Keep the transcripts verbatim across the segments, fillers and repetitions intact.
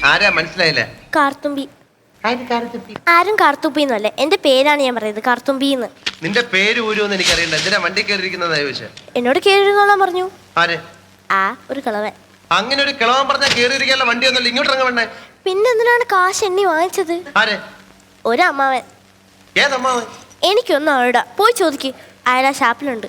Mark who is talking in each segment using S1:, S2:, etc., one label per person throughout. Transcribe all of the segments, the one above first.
S1: ആരാ മനസ്സിലായില്ല?
S2: കാർത്തുമ്പി. ആരും കാർത്തുമ്പിന്നല്ലേ, എന്റെ പേരാണ് ഞാൻ പറയുന്നത്, കാർത്തുമ്പിന്ന്.
S1: നിന്റെ പേര് ഊരുവെന്ന് എനിക്കറിയണ്ട. എന്തിനാ വണ്ടി കയറിയിരിക്കുന്നതാ ചോദിച്ചേ?
S2: എന്നോട് കേറിയിരുന്നോളാൻ പറഞ്ഞു.
S1: ആര്?
S2: ആ ഒരു കിളവൻ.
S1: അങ്ങനെ ഒരു കിളവൻ പറഞ്ഞാൽ കേറിയിരിക്കാനുള്ള വണ്ടി ഒന്നുമില്ല, ഇങ്ങോട്ട് ഇറങ്ങ വേണ്ടേ?
S2: പിന്നെ എന്തിനാണ് കാശ് എണ്ണി വാങ്ങിച്ചത്?
S1: ആര്?
S2: ഒരു അമ്മാവൻ.
S1: ഏതമ്മാവൻ?
S2: എനിക്കൊന്നും അവിടെ പോയി ചോദിക്ക്, അയാൾ ആ ഷാപ്പിലുണ്ട്.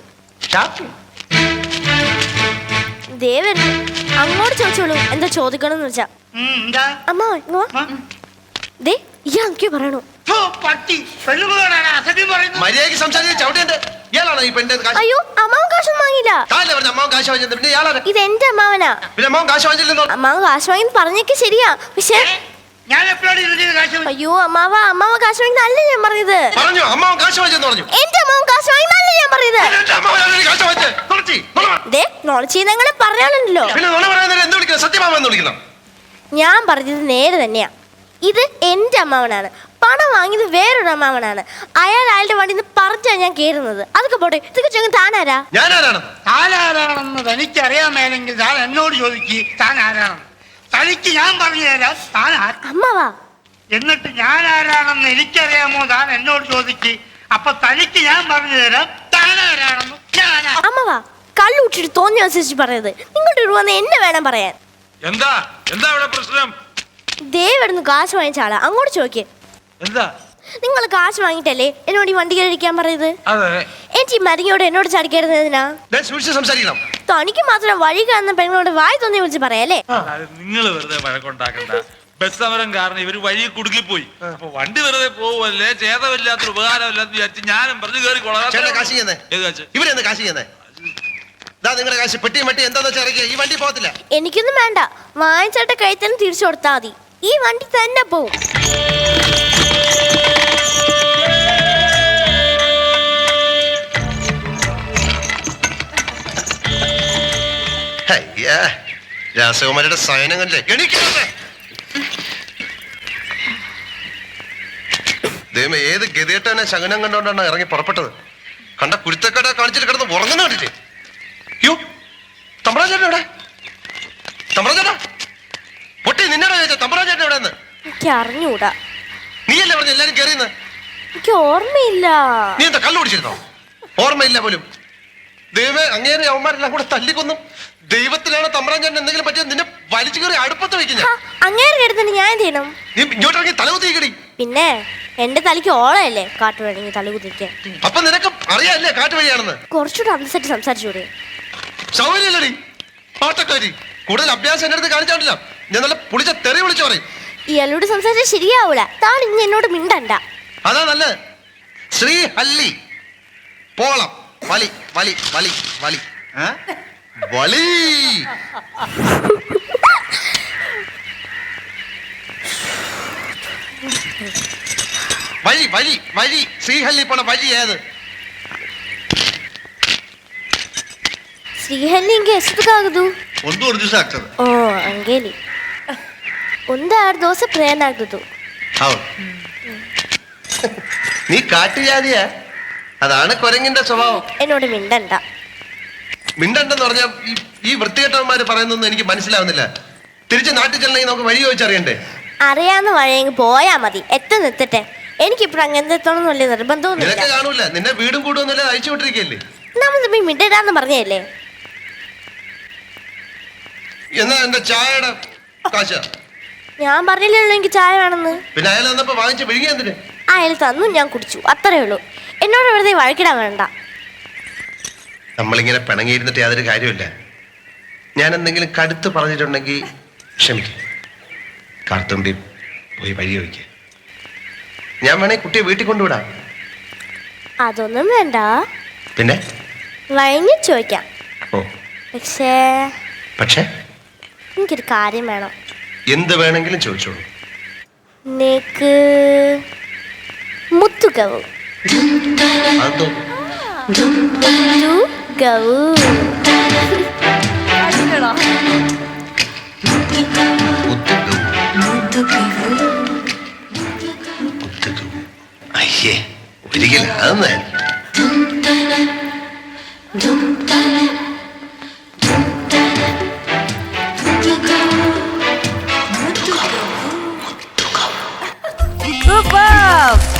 S2: ദേവൻ അങ്ങോട്ട് ചോദിച്ചോളൂ എന്താ ചോദിക്കണമെന്ന് വെച്ചാ. അമ്മാവൻ ദേ ഇയാൾ എന്തൊക്കെയോ പറയണു. അയ്യോ അമ്മാവൻ കാശൊന്നും വാങ്ങിയില്ല. ഇത് എന്റെ അമ്മാവനാ. അമ്മാവൻ കാശ് വാങ്ങി പറഞ്ഞേക്ക് ശരിയാ, പക്ഷെ അയ്യോ അമ്മാവ അമ്മാവ കാശ് വാങ്ങി നല്ല ഞാൻ പറഞ്ഞത്. എന്റെ അമ്മാവൻ കാശ് വാങ്ങി നല്ല ഞാൻ പറഞ്ഞത്. നോളച്ചീനങ്ങളെ പറഞ്ഞാലുണ്ടല്ലോ. ഞാൻ പറഞ്ഞത് നേരെ തന്നെയാ. ഇത് എന്റെ അമ്മാവനാണ്. പണം വാങ്ങിയത് വേറൊരു അമ്മാവനാണ്. അയാൾ അയാളുടെ വണ്ടി പറഞ്ഞാ ഞാൻ കേറുന്നത്. അതൊക്കെ പോട്ടെ, ഇതൊക്കെ ചെങ്ങ താനാരാ?
S3: താനാരാണെന്ന് തനിക്കറിയാമേലെങ്കിൽ താൻ എന്നോട് ചോദിക്ക് താൻ ആരാണെന്ന്. തനിക്ക് ഞാൻ പറഞ്ഞു തരാം താൻ
S2: അമ്മാവാ.
S3: എന്നിട്ട് ഞാൻ ആരാണെന്ന് എനിക്കറിയാമോ താൻ എന്നോട് ചോദിക്ക്. അപ്പൊ തനിക്ക് ഞാൻ പറഞ്ഞു തരാം താൻ ആരാണെന്ന്.
S2: അമ്മാവാ കള്ളുട്ടിട്ട് തോന്നിയ അനുസരിച്ച് പറയത്. നിങ്ങളുടെ ഒരു വന്ന് എന്നെ വേണം പറയാൻ.
S4: എന്താ എന്താ ഇവിടെ പ്രശ്നം?
S2: ദേവെടുന്ന് കാശ് വാങ്ങിച്ച ആളാ, അങ്ങോട്ട് ചോദിക്കേ.
S4: എന്താ
S2: നിങ്ങൾ കാശ് വാങ്ങിട്ടല്ലേ എന്നോട് ഈ വണ്ടി കയറിയിരിക്കാൻ പറയുന്നത്?
S4: അതെ.
S2: എനിക്ക് മരിങ്ങോട് എന്നോട് ചടിക്കരുന്നതിനാ? തനിക്ക് മാത്രം വഴി കാണുന്ന പെണ്ണോട് വായി തോന്നി വിളിച്ച് പറയാല്ലേ?
S4: നിങ്ങൾ വെറുതെ വഴക്കുണ്ടാക്കണ്ട. ബസ് സമരം കാരണം ഇവര് വഴി കുടുങ്ങിപ്പോയി. അപ്പൊ വണ്ടി വെറുതെ പോവല്ലേ, ചേതമില്ലാത്തൊരു ഉപകാരമില്ലാന്ന് വിചാരിച്ച് ഞാനും പറഞ്ഞു കയറി കൊള്ളാം.
S2: എനിക്കൊന്നും വേണ്ട, വാങ്ങിച്ചേട്ട കൈ തന്നെ തിരിച്ചു കൊടുത്താൽ മതി. ഈ വണ്ടി തന്നെ പോവും.
S1: രാസകുമാരിയുടെ സയനങ്ങളല്ലേ ദൈവമേ, ഏത് ഗതികെട്ടവനെ ശകനം കണ്ടോണ്ടാണ് ഇറങ്ങി പുറപ്പെട്ടത്. കണ്ട കുരുത്തക്കട കാണിച്ചിട്ട് കിടന്ന് ഉറങ്ങുന്ന കണ്ടില്ലേ? യോ തമ്പ്രാജേട്ടൻ എവിടെ? തമ്പ്രാജേട്ടാ പൊട്ടി നിന്നോട് ചോദിച്ചാ തമ്പ്രാജേട്ടൻ എവിടെന്ന്?
S2: എനിക്ക് അറിഞ്ഞൂടാ.
S1: നീയല്ലേ പറഞ്ഞു എല്ലാരും കയറിയെന്ന്?
S2: എനിക്ക് ഓർമ്മയില്ല.
S1: നീ എന്താ കള്ളു കുടിച്ചിരുന്നോ? ഓർമ്മയില്ല പോലും. ദൈവമേ, അങ്ങേരെ അവന്മാരെല്ലാം കൂടെ തല്ലിക്കൊന്നും. ദൈവത്തിലാണ് തമ്പ്രാജേട്ടൻ എന്തെങ്കിലും പറ്റിയത് നിന്നെ വലിച്ചു കയറി അടുപ്പത്ത് വെക്കുന്ന.
S2: അങ്ങേരെ എടുത്തിട്ട് ഞാൻ എന്ത് ചെയ്യണം?
S1: നീ ഇങ്ങോട്ട് ഇറങ്ങി തലകുത്തിക്കടി.
S2: പിന്നെ എന്റെ തലയ്ക്ക് ഓളയല്ലേ കാട്ടു വേണമെങ്കിൽ തലകുത്തിക്കാൻ.
S1: അപ്പൊ നിനക്ക് അറിയാല്ലേ കാട്ടു വഴിയാണെന്ന്?
S2: കുറച്ചുകൂടെ അനുസരിച്ച് സംസാരിച്ചൂടെ?
S1: സൗകര്യല്ലടി പാട്ടക്കാരി. കൂടുതൽ അഭ്യാസം എന്റെ അടുത്ത് കാണിച്ചാണ്ടില്ല, ഞാൻ നല്ല പുളിച്ച തെറി വിളിച്ചു പറയും.
S2: ഇയാളോട് സംസാരിച്ചാൽ ശരിയാവൂല. താൻ ഇനി എന്നോട് മിണ്ടണ്ട.
S1: അതാ നല്ലത്. ശ്രീഹല്ലി പോളം വലി വലി വലി വലി വലി വഴി വഴി വഴി ശ്രീഹല്ലി പോണ വഴി ഏത്?
S2: ಶ್ರೀಹಳ್ಳಿ ಎಷ್ಟಕ್ಕಾಗದು?
S1: ಒಂದೂವರೆ ದಿವಸ ಆಗ್ತದೆ.
S2: ಓ ಹಂಗೇಲಿ ಒಂದು ಆರು ದಿವಸ ಪ್ರಯಾಣ ಆಗ್ತದೆ.
S1: ಹೌದು. നീ കാട്ടുജാതിയാ, അതാണ് കുരങ്ങിന്റെ സ്വഭാവം.
S2: എന്നോട് മിണ്ടണ്ട.
S1: മിണ്ടണ്ടെന്ന് പറഞ്ഞാൽ ഈ വൃത്തികെട്ടവന്മാര് പറയുന്നൊന്നും എനിക്ക് മനസ്സിലാവുന്നില്ല. തിരിച്ച് നാട്ടിൽ ചെല്ലണമെങ്കിൽ നമുക്ക് വഴി ചോദിച്ചറിയണ്ടേ?
S2: അറിയാവുന്ന വഴിയെങ്കിൽ പോയാ മതി. എത്ര നിർത്തട്ടെ, എനിക്കിപ്പോൾ അങ്ങനത്തെ എത്തണം വലിയ നിർബന്ധമൊന്നും
S1: നിനക്ക് കാണൂല. നിന്നെ വീടും കൂടുമൊന്നുമില്ല, അയച്ചു വിട്ടിരിക്കല്ലേ.
S2: നമ്മൾ തമ്മിൽ മിണ്ടടാന്ന് പറഞ്ഞല്ലേ.
S1: എന്നാ എന്റെ ചായയുടെ കാശ?
S2: ഞാൻ പറഞ്ഞില്ലല്ലോ എനിക്ക് ചായ വേണമെന്ന്.
S1: പിന്നെ അയാൾ വന്നപ്പോ വാങ്ങിച്ച് വിഴുങ്ങി എന്തിന്?
S2: അയാൾ തന്നു, ഞാൻ കുടിച്ചു, അത്രേ ഉള്ളൂ. എന്നോട് വെറുതെ വഴക്കിടാൻ വേണ്ട.
S1: നമ്മളിങ്ങനെ പിണങ്ങിയിരുന്നിട്ട് യാതൊരു കാര്യമില്ല. ഞാൻ എന്തെങ്കിലും കടുത്ത് പറഞ്ഞിട്ടുണ്ടെങ്കിൽ ക്ഷമിക്കും. കാർത്തുമ്പി പോയി വഴി ചോദിക്ക. ഞാൻ വേണേ കുട്ടിയെ വീട്ടിൽ കൊണ്ടുവിടാം.
S2: അതൊന്നും വേണ്ട,
S1: പിന്നെ
S2: വഴങ്ങി ചോദിക്കാം.
S1: ഓ
S2: പക്ഷേ
S1: പക്ഷേ
S2: എനിക്കൊരു കാര്യം വേണം.
S1: എന്ത് വേണമെങ്കിലും ചോദിച്ചോളൂ.
S2: നിനക്ക് മുത്തുകവു മുത്തുകവു
S1: അയ്യേ ഒരിക്കലും അതൊന്നും
S5: സൂപ്പർ